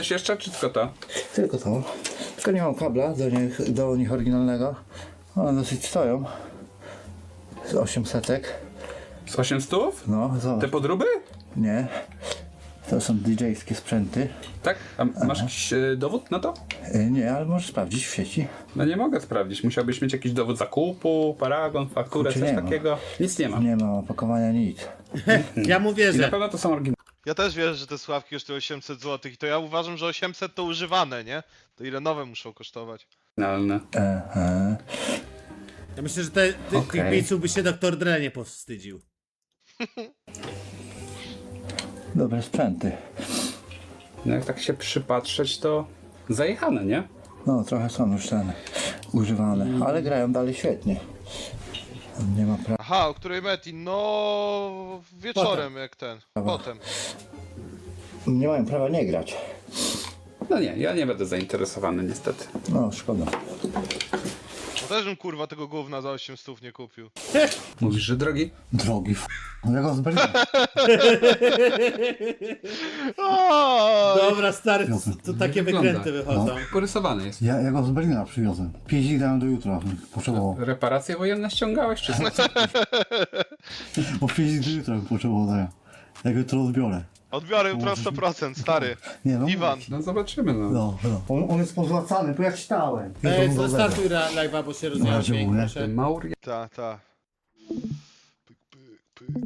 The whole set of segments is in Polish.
Coś jeszcze, czy tylko to? Tylko to. Tylko nie mam kabla do nich oryginalnego. One dosyć stoją. Z 800. Z 800? No, Te zobacz. podróby? Nie. To są DJ-skie sprzęty. Tak? A masz jakiś dowód na to? Nie, ale możesz sprawdzić w sieci. No nie mogę sprawdzić. Musiałbyś mieć jakiś dowód zakupu, paragon, fakturę, Kurczę, coś nie ma. takiego. Nic nie ma. Nie ma opakowania, nic. Ja mu I na wierzę. pewno to są oryginalne. Ja też wierzę, że te sławki kosztują 800 zł i to ja uważam, że 800 to używane, nie? To ile nowe muszą kosztować? Aha. Ja myślę, że tych Okej. biców by się Dr. Dre nie powstydził. Dobre sprzęty. No jak tak się przypatrzeć, to zajechane, nie? No, trochę są już ten używane, ale grają dalej świetnie. Nie ma prawa. Aha, o której Metin? No wieczorem jak ten. Potem. Nie mają prawa nie grać. No nie, ja nie będę zainteresowany niestety. No, szkoda. No też bym kurwa tego gówna za 800 nie kupił. Mówisz, że drogi? Drogi Ja go z Berlina. Dobra, stary, to takie Wygląda. wykręty wychodzą. Porysowany jest. Ja go z Berlina przywiozłem. 5 dni dałem do jutra. Potrzebował. Reparacje wojenne ściągałeś, czy co? Bo 5 dni do jutra bym potrzebował dania. Ja go jutro odbiorę. Odbiorę jutro 100%, stary. Nie no. Iwan. No zobaczymy, no. No. On jest pozłacany, bo ja czytałem. Startuj live'a, bo się rozwijał razie dźwięk, mówię. proszę. Mauria Ta. Pyk, pyk, pyk.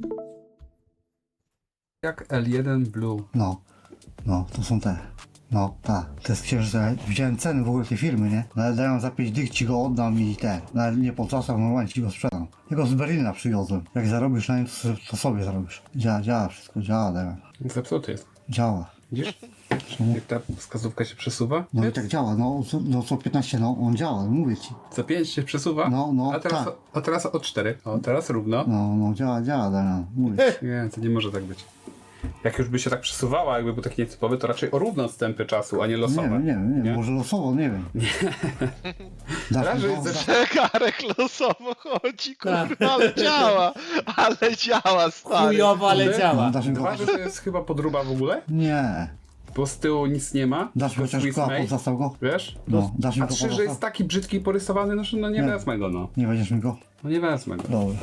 jak L1 Blue. No, to są te. No, tak. To jest księżyca. Widziałem ceny w ogóle tej firmy, nie? Nawet dają za 5 dych, ci go oddam i te. Nawet nie po czasach, normalnie ci go sprzedam. Ja go z Berlina przywiozłem. Jak zarobisz na nim, to sobie zarobisz. Działa wszystko, działa, Damian. Zepsuty jest. Działa. Widzisz? Jak ta wskazówka się przesuwa? No i tak działa, co 15, no on działa, no mówię ci. Co 5 się przesuwa? No, a tak. teraz o 4. O, teraz równo. No, działa, Damian, mówię ci. Nie, to nie może tak być. Jak już by się tak przesuwała, jakby był taki nietypowy, to raczej o równe odstępy czasu, a nie losowe. Nie wiem, może losowo, nie wiem. Dasz Raz, że mi jest go? ze- Zegarek losowo chodzi, kurwa, ale działa. Ale działa, stary. Chujowo, ale Kurde. działa. Dasz mi go? Dwa, że to jest chyba podróba w ogóle, Nie. bo z tyłu nic nie ma. Dasz mi To chociaż Swiss koła, made, pozastał go? wiesz? No, dasz mi A go 3, że pozastał? jest taki brzydki i porysowany, no nie Nie. wezmę go, no. Nie będziesz mi go? No nie wezmę go. Dobra.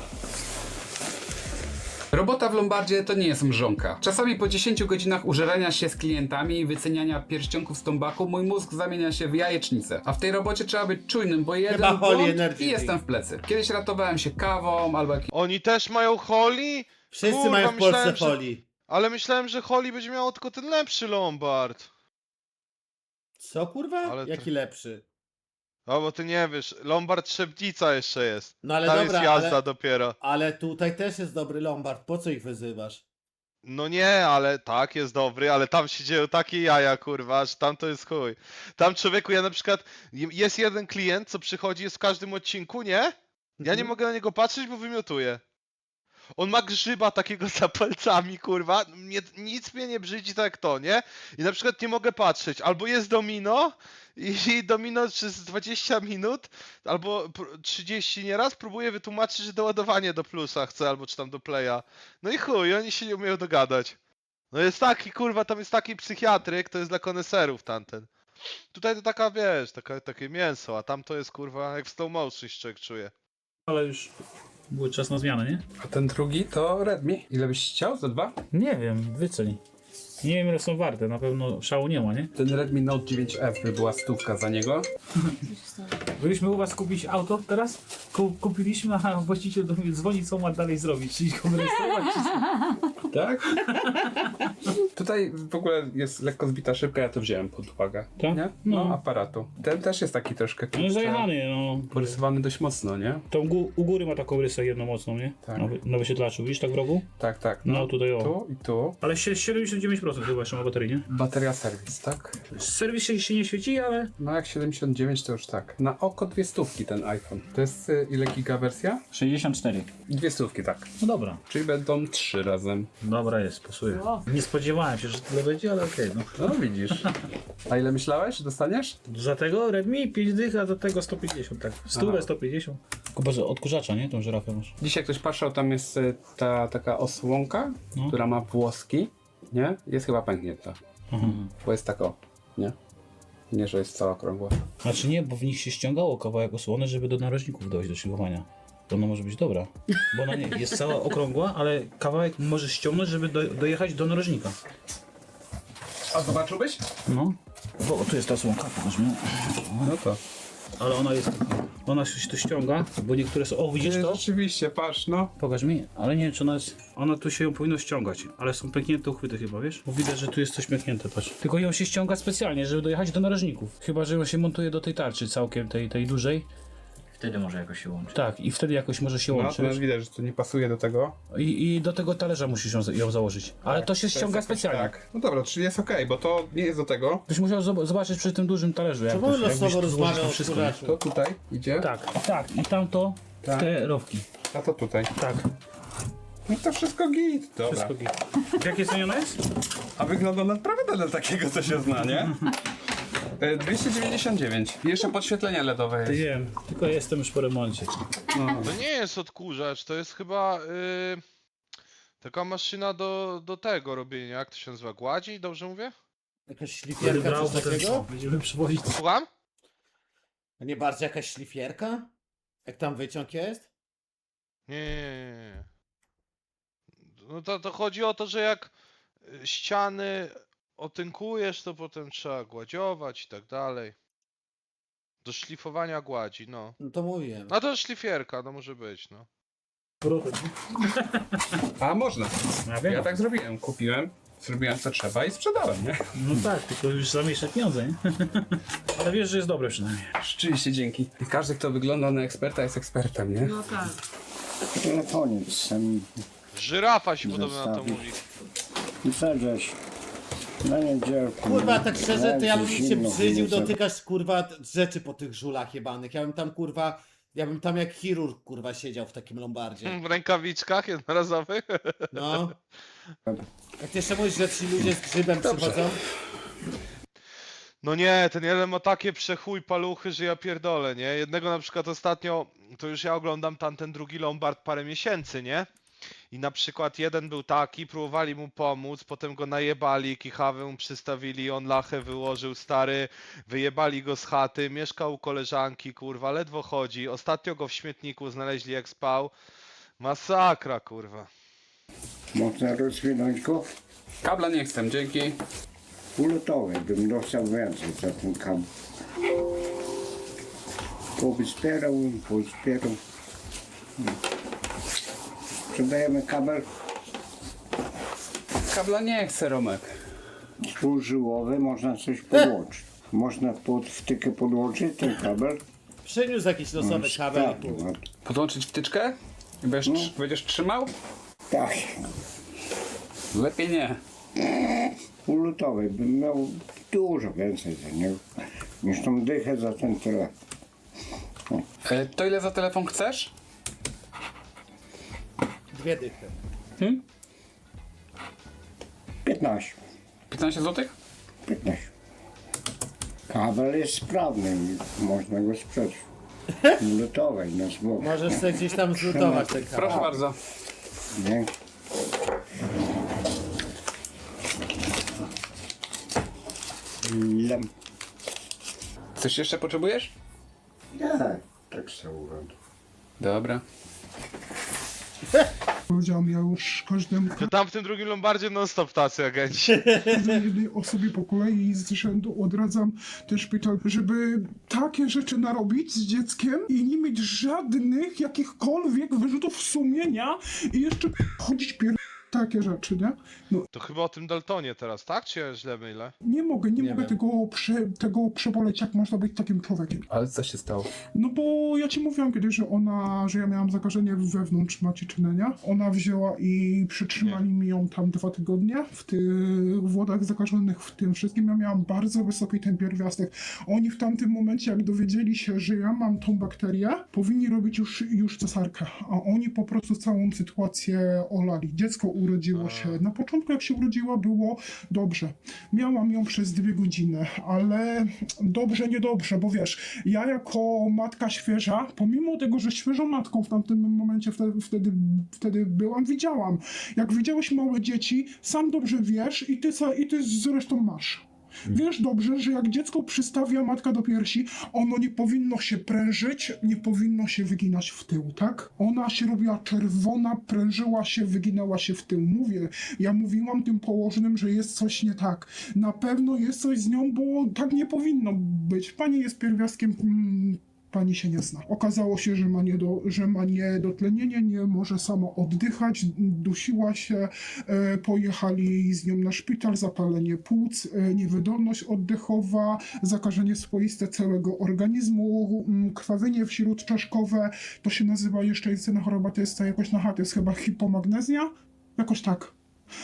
Robota w Lombardzie to nie jest mrzonka. Czasami po 10 godzinach użerania się z klientami i wyceniania pierścionków z tombaku mój mózg zamienia się w jajecznicę. A w tej robocie trzeba być czujnym, bo jeden Chyba Holy błąd Energy i jestem w plecy. Kiedyś ratowałem się kawą albo jakimś... Oni też mają Holly? Wszyscy Kurwa, mają w Polsce myślałem, że- folii. Ale myślałem, że Holly będzie miało tylko ten lepszy Lombard. Co kurwa? Ale to- Jaki lepszy? No bo ty nie wiesz, Lombard Szeptica jeszcze jest. No ale Tam dobra, jest jazda ale, dopiero. ale tutaj też jest dobry Lombard, po co ich wyzywasz? No nie, ale tak, jest dobry, ale tam się dzieją takie jaja, kurwa, że tam to jest chuj. Tam człowieku, ja na przykład, jest jeden klient, co przychodzi, jest w każdym odcinku, nie? Ja nie mogę na niego patrzeć, bo wymiotuje. On ma grzyba takiego za palcami, kurwa, nic mnie nie brzydzi tak jak to, nie? I na przykład nie mogę patrzeć, albo jest domino i domino przez 20 minut, albo 30 nieraz próbuje wytłumaczyć, że doładowanie do plusa chce, albo czy tam do playa. No i chuj, oni się nie umieją dogadać. No jest taki, kurwa, tam jest taki psychiatryk, to jest dla koneserów tamten. Tutaj to taka, wiesz, takie mięso, a tam to jest, kurwa, jak w slow motion się człowiek czuje. Ale już był czas na zmianę, nie? A ten drugi to Redmi. Ile byś chciał? Za 2? Nie wiem, wyceń. Nie wiem ile są warte, na pewno szału nie ma, nie? Ten Redmi Note 9F by była 100 za niego. Byliśmy u was kupić auto teraz? Kupiliśmy, a właściciel do mnie dzwoni, co ma dalej zrobić, czyli go rejestrować, czy co? Tak? Tutaj w ogóle jest lekko zbita szybka, ja to wziąłem pod uwagę. Tak? Nie? No, No. aparatu. Ten też jest taki troszkę No zajechany, no. porysowany dość mocno, nie? To u góry ma taką rysę jedną mocną, nie? Tak. Na wyświetlaczu, widzisz tak w rogu? Tak, tak. No, tutaj o. Tu i tu. Ale 79% chyba jeszcze ma baterii, nie? Bateria serwis, tak? Serwis się nie świeci, ale... No jak 79 to już tak. Na oko 200 ten iPhone. To jest ile giga wersja? 64. 200, tak. No dobra. Czyli będą 3 razem. Dobra jest, pasuje. Nie spodziewałem się, że tyle będzie, ale okej, no. No widzisz. A ile myślałeś, że dostaniesz? Za tego Redmi 5 dych, a za tego 150, tak. 100, Aha. 150. Chyba, że odkurzacza, nie? Tą żyrafę masz. Dzisiaj ktoś patrzył, tam jest ta taka osłonka, No. która ma włoski, nie? Jest chyba pęknięta. Aha. Bo jest tak o. Nie? Nie, że jest cała okrągła. Znaczy nie, bo w nich się ściągało kawałek osłony, żeby do narożników dojść do szlifowania. To ona może być dobra. Bo ona nie jest cała okrągła, ale kawałek możesz ściągnąć, żeby dojechać do narożnika. A zobaczyłbyś? No. Bo tu jest ta słonka, pokaż mi. No to. Ale ona się tu ściąga, bo niektóre są... O, widzisz to? Rzeczywiście, patrz, no. Pokaż mi, ale nie wiem, czy ona jest... Ona tu się ją powinno ściągać, ale są pęknięte uchwyty chyba, wiesz? Bo widać, że tu jest coś pęknięte, patrz. Tylko ją się ściąga specjalnie, żeby dojechać do narożników. Chyba, że ją się montuje do tej tarczy całkiem, tej dużej. Wtedy może jakoś się łączyć. Tak, i wtedy jakoś może się No, łączyć. to widać, że to nie pasuje do tego. I do tego talerza musisz ją założyć. Ale to się jest ściąga jakoś specjalnie. Tak. No dobra, czyli jest okej, bo to nie jest do tego. Byś musiał zobaczyć przy tym dużym talerzu, jak Czemu to, on jakbyś losowo tu złożył rozmawiał to o wszystko. kuraczu? To tutaj idzie, Tak. I tamto w Tak. te rowki. a to tutaj. Tak. No to wszystko git. Dobra. Wszystko git. W jakiej cenie ona jest? A wygląda naprawdę dla takiego, co się zna, nie? 299. I jeszcze podświetlenie LEDowe Ty jest. wiem, tylko jestem już po remoncie. To nie jest odkurzacz, to jest chyba taka maszyna do tego robienia, jak to się nazywa, gładzi, dobrze mówię? Jakaś szlifierka, coś takiego? Będziemy przywozić. Słucham? A nie bardziej jakaś szlifierka? Jak tam wyciąg jest? Nie. No to chodzi o to, że jak ściany otynkujesz, to potem trzeba gładziować i tak dalej. Do szlifowania gładzi, no. No to mówiłem. No to szlifierka, no może być, no. A można. Ja wiem. Ja tak zrobiłem. Kupiłem, zrobiłem co trzeba i sprzedałem, nie? No tak, tylko już zamieszczę pieniądze, nie? Ale wiesz, że jest dobre przynajmniej. Rzeczywiście dzięki. I każdy, kto wygląda na eksperta, jest ekspertem, nie? No tak. Telefonic sam Żyrafa się podobno na to Zostawić. mówi. i sadzać na niedzielku. Kurwa, tak szczerze, to ja bym się Zimno, brzydził zimno. dotykać, kurwa, rzeczy po tych żulach jebanych. Ja bym tam jak chirurg, kurwa, siedział w takim lombardzie. W rękawiczkach jednorazowych. No. Jak ty jeszcze mówisz, że ci ludzie z grzybem przychodzą? No nie, ten jeden ma takie przechuj paluchy, że ja pierdolę, nie? Jednego na przykład ostatnio, to już ja oglądam tamten drugi Lombard parę miesięcy, nie? I na przykład jeden był taki, próbowali mu pomóc, potem go najebali, kichawę mu przystawili, on lachę wyłożył, stary, wyjebali go z chaty, mieszkał u koleżanki, kurwa, ledwo chodzi, ostatnio go w śmietniku znaleźli jak spał. Masakra, kurwa. Można rozwinąć go? Kabla nie chcę, dzięki. Ulotowy bym dostał więcej za ten kabel. Pozbierał. Sprzedajemy kabel Kabla nie chcę, Romek. półżyłowy, można coś podłączyć. Można pod wtykę podłączyć ten kabel. Przyniósł jakiś losowy kabel i pół. No, Podłączyć wtyczkę? I będziesz trzymał? tak, Lepiej nie. ulotowy bym miał dużo więcej za niego niż tą dychę za ten telefon. To ile za telefon chcesz? 2 dychy. 15. 15 zł? 15. Kabel jest sprawny i można go sprzedać. Lutowej na złom. Możesz sobie gdzieś tam zlutować ten kabel. Proszę bardzo. Nie? Lem. Coś jeszcze potrzebujesz? Nie, tak sobie urodę. Dobra. Powiedziałam ja już każdemu, To tam w tym drugim Lombardzie non-stop tacy agenci. jednej osobie po kolei z rzędu odradzam ten szpital, żeby takie rzeczy narobić z dzieckiem i nie mieć żadnych jakichkolwiek wyrzutów sumienia i jeszcze chodzić takie rzeczy, nie? No To chyba o tym Daltonie teraz, tak? Czy ja źle mylę? nie mogę wiem. tego przeboleć, jak można być takim człowiekiem. Ale co się stało? No bo ja ci mówiłam kiedyś, że ja miałam zakażenie wewnątrz macieczyny, nie? Ona wzięła i przytrzymali mi ją tam 2 tygodnie w tych wodach zakażonych, w tym wszystkim. Ja miałam bardzo wysoki ten pierwiastek. Oni w tamtym momencie, jak dowiedzieli się, że ja mam tą bakterię, powinni robić już cesarkę, a oni po prostu całą sytuację olali. Dziecko urodziło się. Na początku, jak się urodziła, było dobrze. Miałam ją przez 2 godziny, ale dobrze, niedobrze, bo wiesz, ja jako matka świeża, pomimo tego, że świeżą matką w tamtym momencie wtedy byłam, widziałam. Jak widziałeś małe dzieci, sam dobrze wiesz i ty zresztą masz. Wiesz dobrze, że jak dziecko przystawia matka do piersi, ono nie powinno się prężyć, nie powinno się wyginać w tył, tak? Ona się robiła czerwona, prężyła się, wyginała się w tył. Mówię, ja mówiłam tym położnym, że jest coś nie tak. Na pewno jest coś z nią, bo tak nie powinno być. Pani jest pierwiastkiem... Pani się nie zna. Okazało się, że ma niedotlenienie, nie może sama oddychać, dusiła się, pojechali z nią na szpital, zapalenie płuc, niewydolność oddechowa, zakażenie swoiste całego organizmu, krwawienie wśródczaszkowe, to się nazywa jeszcze jest jedna choroba, to jest jakoś to jest chyba hipomagnezja? Jakoś tak.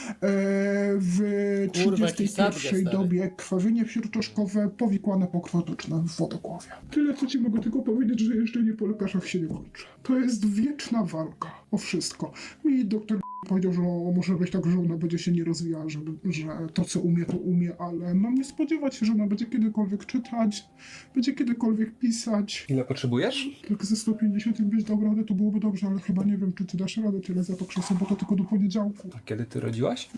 W Kurwa, jaki sadgę, 31 stary. dobie krwawienie wśródczaszkowe, powikłane pokrwotoczne w wodogłowie. Tyle, co ci mogę tylko powiedzieć, że jeżdżenie po lekarzach się nie kończy. To jest wieczna walka o wszystko. Mi doktor powiedział, że może być tak, że ona będzie się nie rozwijała, że to, co umie, to umie, ale mam nie spodziewać się, że ona będzie kiedykolwiek czytać, będzie kiedykolwiek pisać. Ile potrzebujesz? Jak ze 150 byś dał radę, to byłoby dobrze, ale chyba nie wiem, czy ty dasz radę tyle za to krzesło, bo to tylko do poniedziałku. A kiedy ty rodziłaś?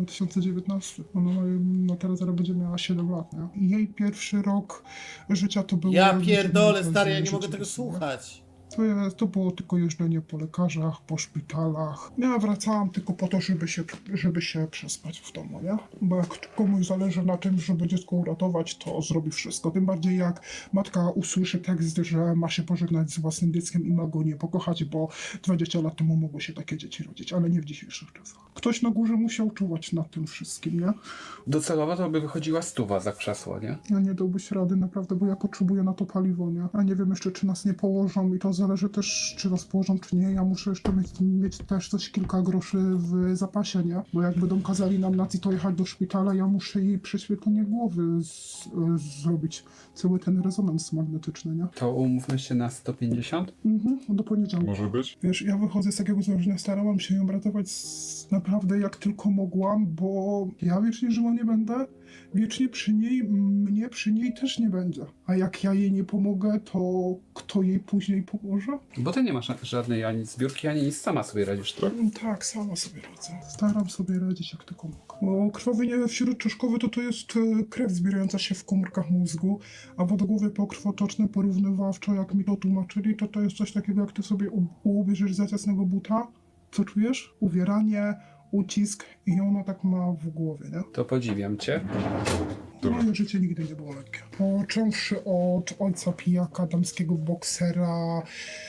2019. Ona teraz zaraz będzie miała 7 lat, nie? Jej pierwszy rok życia to było... Ja pierdolę, stary, ja nie życie mogę tego jest, słuchać. To było tylko jeżdżenie po lekarzach, po szpitalach. Ja wracałam tylko po to, żeby się przespać w domu, nie? Bo jak komuś zależy na tym, żeby dziecko uratować, to zrobi wszystko. Tym bardziej jak matka usłyszy tekst, że ma się pożegnać z własnym dzieckiem i ma go nie pokochać, bo 20 lat temu mogły się takie dzieci rodzić, ale nie w dzisiejszych czasach. Ktoś na górze musiał czuwać nad tym wszystkim, nie? Docelowo to by wychodziła 100 za krzesło, nie? Ja nie dałbyś rady, naprawdę, bo ja potrzebuję na to paliwo, nie? A nie wiem jeszcze, czy nas nie położą i to zależy też, czy nas położą, czy nie. Ja muszę jeszcze mieć też coś kilka groszy w zapasie, nie? Bo jak będą kazali nam na to jechać do szpitala, ja muszę jej prześwietlenie głowy zrobić. Cały ten rezonans magnetyczny, nie? To umówmy się na 150? Do poniedziałku. Może być? Wiesz, ja wychodzę z takiego założenia, starałam się ją ratować naprawdę jak tylko mogłam, bo ja wiecznie żyła nie będę, wiecznie przy niej, mnie przy niej też nie będzie. A jak ja jej nie pomogę, to kto jej później pomoże? Bo ty nie masz żadnej ani zbiórki, ani nic, sama sobie radzisz, tak? Tak, sama sobie radzę. Staram sobie radzić jak tylko mogę. Bo krwawienie wśródczaszkowe to jest krew zbierająca się w komórkach mózgu, a wodogłowie pokrwotoczne porównywawczo, jak mi to tłumaczyli, to jest coś takiego, jak ty sobie ubierzesz za ciasnego buta. Co czujesz? Uwieranie, ucisk i ona tak ma w głowie, nie? To podziwiam cię. Moje życie nigdy nie było lekkie. Począwszy od ojca pijaka, damskiego boksera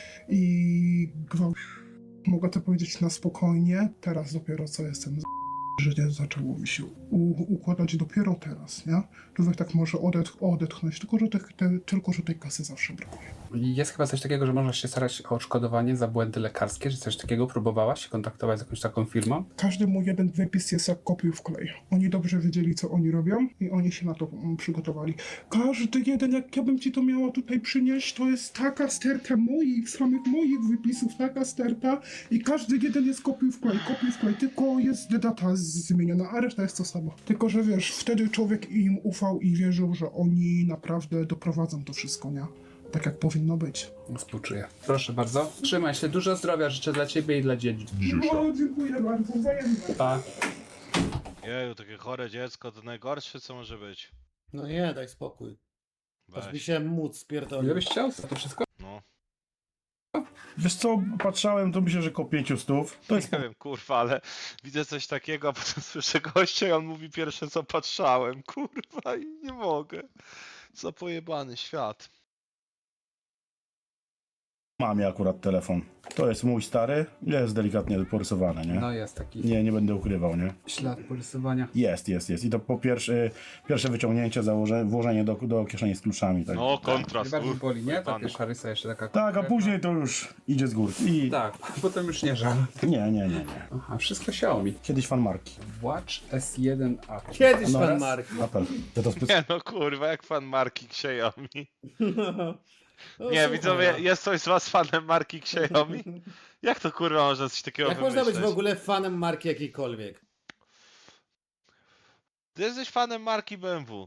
i gwałt. Mogę to powiedzieć na spokojnie. Teraz dopiero co jestem życie zaczęło mi się układać dopiero teraz, nie? Człowiek tak może odetchnąć, tylko że tej kasy zawsze brakuje. Jest chyba coś takiego, że można się starać o odszkodowanie za błędy lekarskie, czy coś takiego? Próbowałaś się kontaktować z jakąś taką firmą? Każdy mój jeden wypis jest jak kopiuj w klej. Oni dobrze wiedzieli, co oni robią i oni się na to przygotowali. Każdy jeden, jak ja bym ci to miała tutaj przynieść, to jest taka sterta samych moich wypisów, taka sterta i każdy jeden jest kopiuj w klej, tylko jest data zmieniona, a reszta jest to samo. Tylko, że wiesz, wtedy człowiek im ufał i wierzył, że oni naprawdę doprowadzą to wszystko, nie? Tak jak powinno być. Współczuję. Proszę bardzo. Trzymaj się, dużo zdrowia życzę dla ciebie i dla dzieci. No, dziękuję bardzo, wzajemnie. Pa. Jeju, takie chore dziecko to najgorsze co może być. No nie, daj spokój. Aż mi Weź. się móc Ile spierdolił. byś chciał za to wszystko? No. Wiesz co, patrzałem, to myślę, że koło 500. To jest Nie wiem, kurwa, ale widzę coś takiego, a potem słyszę gościa i on mówi pierwsze co patrzałem, kurwa, i nie mogę. Co pojebany świat. mamie akurat telefon. To jest mój stary, jest delikatnie porysowany, nie? No jest taki Nie będę ukrywał, nie? ślad porysowania. Jest. I to po pierwsze wyciągnięcie, włożenie do kieszeni z kluczami, tak. No, kontrast. Najbardziej boli, nie? Ta pojebany. pierwsza rysa jeszcze taka Tak, a konkretna. później to już idzie z góry. I Tak, potem już nie żal. nie. Aha, wszystko Xiaomi. Kiedyś fan marki. Watch S1 A. Kiedyś No pan raz. Mark. Apel. Ja to Nie no, kurwa, jak fan marki Xiaomi. No, Nie, słuchaj, widzowie, no. jest ktoś z was fanem marki Xiaomi? Jak to kurwa można coś takiego Jak można wymyśleć? być w ogóle fanem marki jakiejkolwiek? Ty jesteś fanem marki BMW.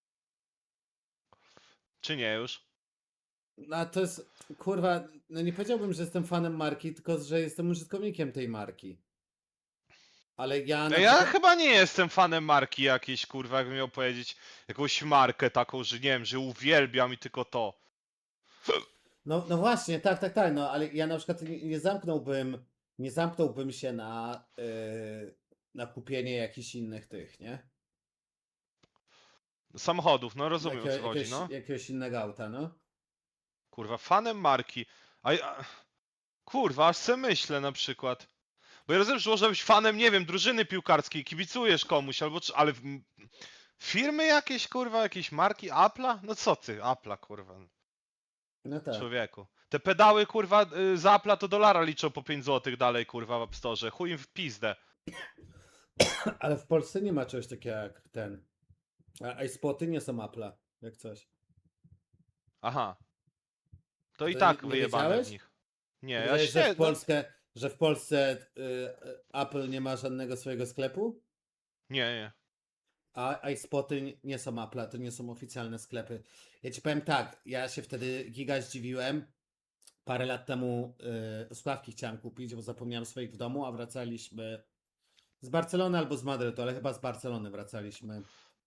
Czy nie już? No to jest, kurwa, no nie powiedziałbym, że jestem fanem marki, tylko że jestem użytkownikiem tej marki. Ale ja na Ja przykład... chyba nie jestem fanem marki jakiejś, kurwa, jakbym miał powiedzieć jakąś markę taką, że nie wiem, że uwielbiam i tylko to. No właśnie, tak, no ale ja na przykład nie zamknąłbym się na kupienie jakichś innych tych, nie? Samochodów, no rozumiem o co chodzi, no. Jakiegoś innego auta, no. Kurwa, fanem marki. Kurwa, aż se myślę na przykład. Bo ja rozumiem, że może być fanem, nie wiem, drużyny piłkarskiej, kibicujesz komuś, albo ale firmy jakieś, kurwa, jakieś marki, Apple'a? No co ty, Apple'a, kurwa, No tak. człowieku. Te pedały, kurwa, z Apple'a to dolara liczą po 5 zł dalej, kurwa, w App Store. Chuj im w pizdę. Ale w Polsce nie ma czegoś takiego jak ten. A iSpoty nie są Apple'a, jak coś. Aha. To i To tak nie wyjebane wiedziałeś? w nich. Nie, ja Wiedziałeś, się... że w Polsce Apple nie ma żadnego swojego sklepu? Nie. A iSpoty nie są Apple'a, to nie są oficjalne sklepy. Ja ci powiem tak, ja się wtedy giga zdziwiłem. Parę lat temu słuchawki chciałem kupić, bo zapomniałem swoich w domu, a wracaliśmy z Barcelony albo z Madrytu, ale chyba z Barcelony wracaliśmy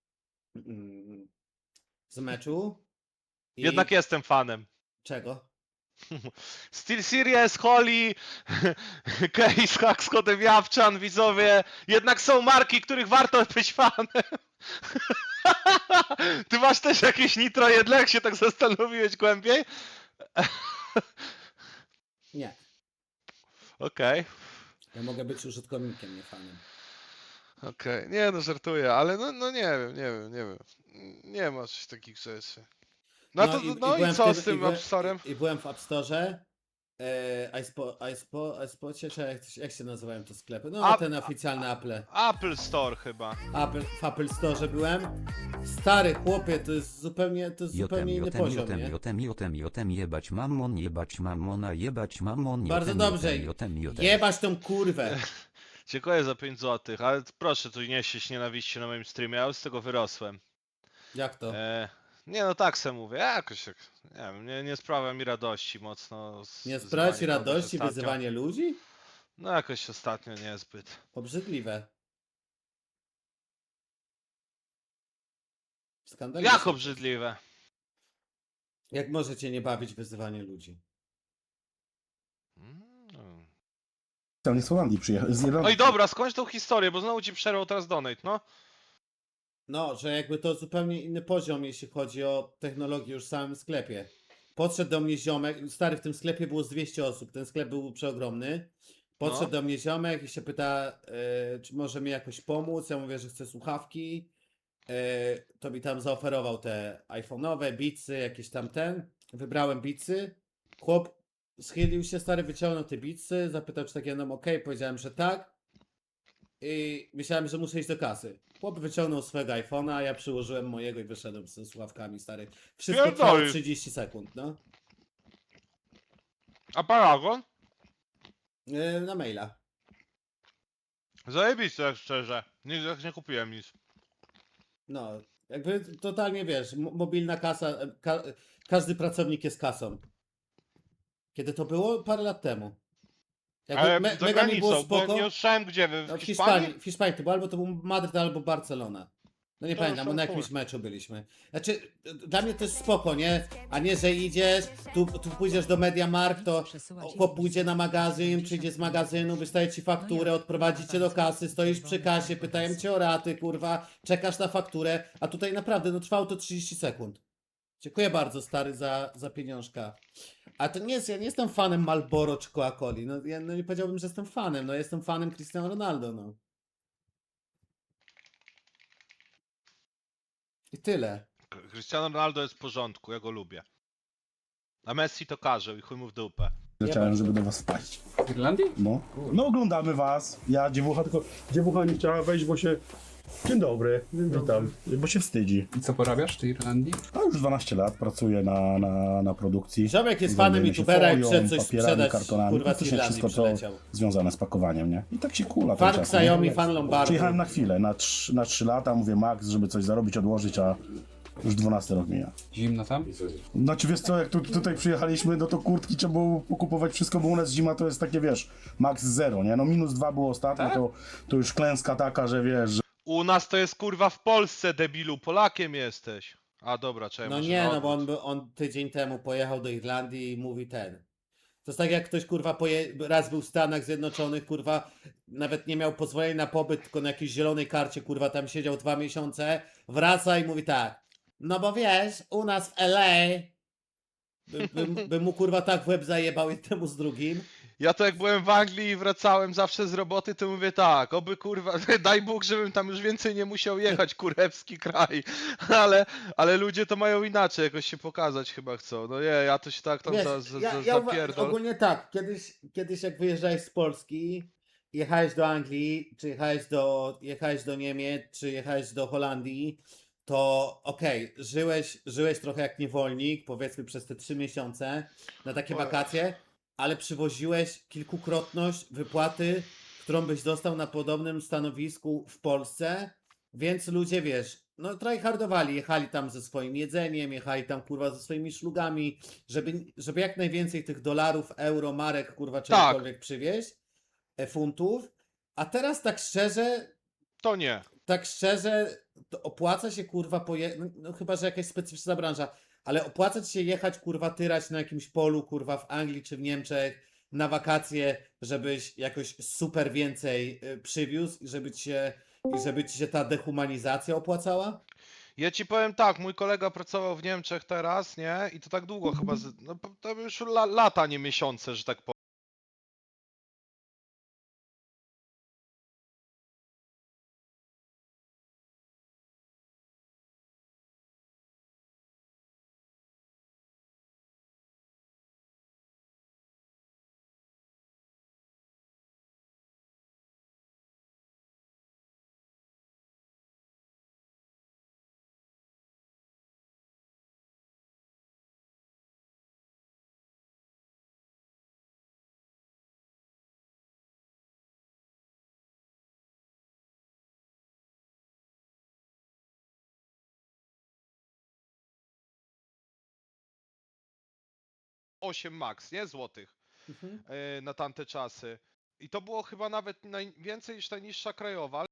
z meczu. I... Jednak jestem fanem. Czego? Steel Series, Holly, Case, Hack z kodem Jawczan, widzowie. Jednak są marki, których warto być fanem. Ty masz też jakieś nitro jedle, jak się tak zastanowiłeś głębiej? Nie. Okej. Ja mogę być użytkownikiem, nie fanem. Okej. Nie no, żartuję, ale no nie wiem. Nie ma coś takich rzeczy. I byłem co w z tym App Store'em? I byłem w App Store. iSpocie, czy jak się nazywają te sklepy? No ten oficjalny Apple. Apple Store chyba. W Apple Store byłem. Stary chłopie, to jest zupełnie inny poziom, nie? Jotem, jebać mamona, Bardzo dobrze. Jebać tą kurwę. Dziękuję za 5 zł, ale proszę tu nie sieść nienawiści na moim streamie, ja już z tego wyrosłem. Jak to? Nie no tak se mówię, jakoś tak, nie wiem, nie sprawia mi radości mocno. Nie sprawia ci wyzywanie kogoś radości ostatnio. wyzywanie ludzi? No jakoś ostatnio niezbyt. Obrzydliwe. Skandaliczne. Jak obrzydliwe? Jak możecie nie bawić wyzywanie ludzi? Tam z Holandii przyjechał. Z Irlandii. Oj dobra, skończ tą historię, bo znowu ci przerwał teraz donate, no. No, że jakby to zupełnie inny poziom, jeśli chodzi o technologię już w samym sklepie. Podszedł do mnie ziomek, stary, w tym sklepie było z 200 osób, ten sklep był przeogromny. Podszedł do mnie ziomek i się pyta, czy może mi jakoś pomóc. Ja mówię, że chcę słuchawki. To mi tam zaoferował te iPhone'owe, Beatsy, jakieś tam Wybrałem Beatsy. Chłop schylił się, stary, wyciągnął te Beatsy, zapytał, czy takie będą ok. Powiedziałem, że tak. I myślałem, że muszę iść do kasy. Chłop wyciągnął swojego iPhone'a, a ja przyłożyłem mojego i wyszedłem ze słuchawkami, stary. Wszystko trwało 30 sekund, no. A Paragon? Na maila. Zajebiście, tak szczerze. Nie kupiłem nic. No, jakby totalnie wiesz, mobilna kasa, każdy pracownik jest kasą. Kiedy to było? Parę lat temu. Jakby Ale za mega mi było granicą, bo spoko. nie usłyszałem gdzie, No, w Hiszpanii? W Hiszpanii to było albo to był Madryt, albo Barcelona. No nie To pamiętam, bo na już jakimś chuj. meczu byliśmy. Znaczy, dla mnie to jest spoko, nie? A nie, że idziesz, tu pójdziesz do MediaMarkt, to chłop pójdzie na magazyn, przyjdzie z magazynu, wystaje ci fakturę, odprowadzi cię do kasy, stoisz przy kasie, pytają cię o raty, kurwa, czekasz na fakturę, a tutaj naprawdę, no trwało to 30 sekund. Dziękuję bardzo, stary, za pieniążka. A to nie jest, ja nie jestem fanem Marlboro czy Coca-Coli, no ja nie powiedziałbym, że jestem fanem, no jestem fanem Cristiano Ronaldo, no. I tyle. Cristiano Ronaldo jest w porządku, ja go lubię. A Messi to karzeł i chuj mu w dupę. Zacząłem, żeby do was wpaść. W Irlandii? No oglądamy was. Ja dziewucha nie chciała wejść, bo się... Dzień dobry, witam. Bo się wstydzi. I co porabiasz w tej Irlandii? A już 12 lat pracuję na produkcji. Ziomek jest fanem Zajmujemy się youtubera i folią, przed coś papierami, sprzedać, kartonami, kurwa, z praktycznie Irlandii wszystko, co przyleciał. związane z pakowaniem, nie? I tak się kula ten Fan czas, nie? Xiaomi, fan Lombardu. Przyjechałem na chwilę, na 3 lata, mówię max, żeby coś zarobić, odłożyć, Już 12 rok mija. Zimno tam? Znaczy wiesz co, jak tutaj przyjechaliśmy, no to kurtki trzeba było pokupować wszystko, bo u nas zima to jest takie, wiesz, max 0, nie? No -2 było ostatnio, Tak? to już klęska taka, że wiesz, że U nas to jest kurwa w Polsce, debilu, Polakiem jesteś. A dobra, czekaj, No może nie, na no bo odwrót. on tydzień temu pojechał do Irlandii i mówi ten. To jest tak jak ktoś kurwa raz był w Stanach Zjednoczonych, kurwa, nawet nie miał pozwolenia na pobyt, tylko na jakiejś zielonej karcie, kurwa, tam siedział 2 miesiące, wraca i mówi tak. No bo wiesz, u nas w LA by mu kurwa tak w łeb zajebał jednemu z drugim. Ja to jak byłem w Anglii i wracałem zawsze z roboty, to mówię tak, oby kurwa, daj Bóg, żebym tam już więcej nie musiał jechać, kurewski kraj. Ale ludzie to mają inaczej, jakoś się pokazać chyba chcą. No nie, ja to się tak tam Wiesz, zapierdol. ogólnie tak, kiedyś jak wyjeżdżałeś z Polski, jechałeś do Anglii, czy jechałeś do Niemiec, czy jechałeś do Holandii, to okej, żyłeś trochę jak niewolnik, powiedzmy przez te 3 miesiące na takie wakacje, ale przywoziłeś kilkukrotność wypłaty, którą byś dostał na podobnym stanowisku w Polsce, więc ludzie, wiesz, no tryhardowali, jechali tam ze swoim jedzeniem, jechali tam kurwa ze swoimi szlugami, żeby jak najwięcej tych dolarów, euro, marek, kurwa, czegokolwiek przywieźć, funtów, a teraz To nie. tak szczerze, to opłaca się kurwa no chyba, że jakaś specyficzna branża, ale opłaca ci się jechać kurwa tyrać na jakimś polu kurwa w Anglii czy w Niemczech na wakacje, żebyś jakoś super więcej przywiózł i żeby ci się ta dehumanizacja opłacała? Ja ci powiem tak, mój kolega pracował w Niemczech teraz, nie? I to tak długo chyba, no to już lata, nie miesiące, że tak powiem. Osiem max, nie? Złotych. Na tamte czasy. I to było chyba nawet najwięcej niż najniższa krajowa,